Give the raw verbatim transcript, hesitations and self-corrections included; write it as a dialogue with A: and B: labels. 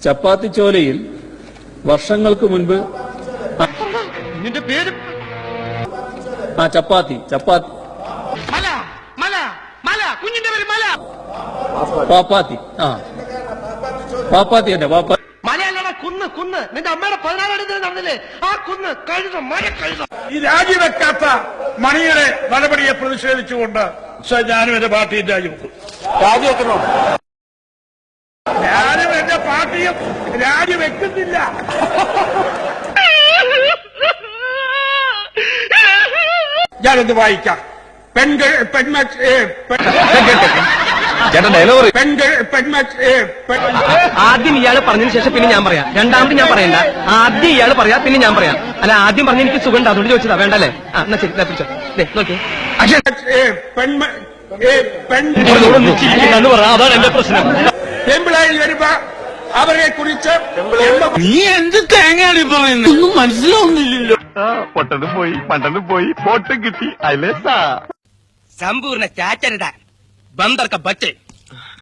A: ചപ്പാത്തിച്ചോലയിൽ വർഷങ്ങൾക്ക് മുൻപ്
B: നിന്റെ പേര്
A: ആ ചപ്പാത്തി ചപ്പാത്തി
B: മല മല മല കുഞ്ഞിന്റെ പേര് മല
A: പാപ്പാത്തി ആ പാപ്പാത്തി തന്നെ പാപ്പാത്തി
B: മലയല്ലടാ കുന്ന് കുന്ന് നിന്റെ അമ്മയുടെ പതിനാലാം തീയതി നടന്നില്ലേ ആ കുന്ന് കഴുത മല കഴുത.
C: ഈ രാജിവെക്കാത്ത മണിയുടെ നടപടിയെ പ്രതിഷേധിച്ചുകൊണ്ട് സർ ഞാനും എന്റെ പാർട്ടിയും രാജിവെക്കും.
D: രാജിവെക്കണോ?
C: ഞാനും എന്റെ പാർട്ടിയും രാജിവെക്കുന്നില്ല. ഞാനൊന്ന് വായിക്കാം. പെൺകൾ പെൺമ പെൺകൾ പെൺമ
E: ആദ്യം ഇയാൾ പറഞ്ഞതിന് ശേഷം പിന്നെ ഞാൻ പറയാം. രണ്ടാമത് ഞാൻ പറയണ്ട. ആദ്യം ഇയാൾ പറയാ പിന്നെ ഞാൻ പറയാം. അല്ല ആദ്യം പറഞ്ഞ എനിക്ക് സുഖം ഉണ്ട് അതുകൊണ്ട് ചോദിച്ചതാ. വേണ്ടല്ലേ? ആ എന്നാ ശരി പിടിച്ചോ. നോക്കി
C: പെൺമ പെൺ
E: അതാണ് എന്റെ പ്രശ്നം.
C: പെമ്പിളായി വരുമ്പോ അവരെ കുറിച്ച്
D: നീ എന്ത് തേങ്ങയാണ് പറയുന്നത്? ഒന്നും മനസ്സിലാവുന്നില്ലല്ലോ.
F: പൊട്ടനും പോയി പണ്ടനും പോയി പോട്ടും കിട്ടി അല്ലേ സാ
E: സമ്പൂർണ്ണ ചാറ്റരുതാ ബന്ദർക്ക ബച്ചേ